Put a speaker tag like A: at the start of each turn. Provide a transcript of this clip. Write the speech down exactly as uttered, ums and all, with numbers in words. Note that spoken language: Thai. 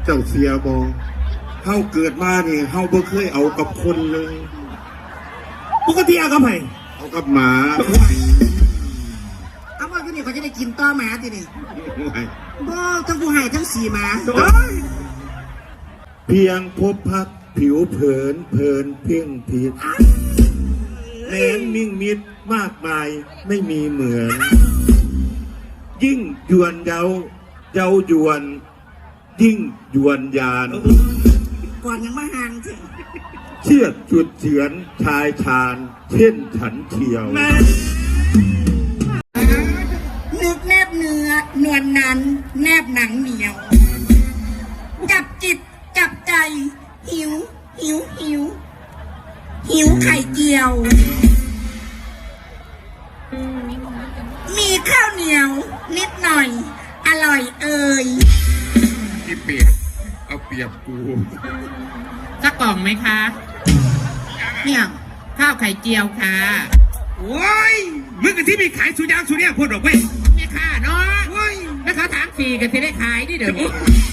A: เจ้าเสียบอเฮาเกิดมาเนี่ยเฮาบ่เคยเอากับคนเลย
B: ปกติเอากับไผ
A: เอากับหมา
C: เอาว่าที่นี่เขาจะได้กินต่อหมาที่นี่บ่ทั้งผู้ให้ทั้งสีหมา
A: เพียงพบพักผิวเผินเพลินเพ่งผิดแหนมมิ่งมิดมากมายไม่มีเหมือน ยิ่งยวนเยาเยายวนยิ่งยวนยาน
C: ก่อนยังมาห่างสิ
A: เชือดจุดเฉือนชายชาญเช่นฉันเที่ยว
C: นึกแนบเนื้อนวลนั้นแนบหนังเหนียวจับจิตจับใจหิวหิวหิวหิวไข่เจียวมีข้าวเหนียวนิดหน่อยอร่อยเอ่ย
A: ที่เปียกเอาเปียกกู
D: สักกล่องไหมคะ
C: เนี่ย
D: ข้าวไข่เจียวค่ะ
B: โอ้ยมึงกับที่มีขายสุยางสุเนี่ยพูดออกไป
D: ไม่ค่าเนาะโอ้ยแล้วเขาถามฟรีกันที่ได้ขายนี่เดี๋ยวนี้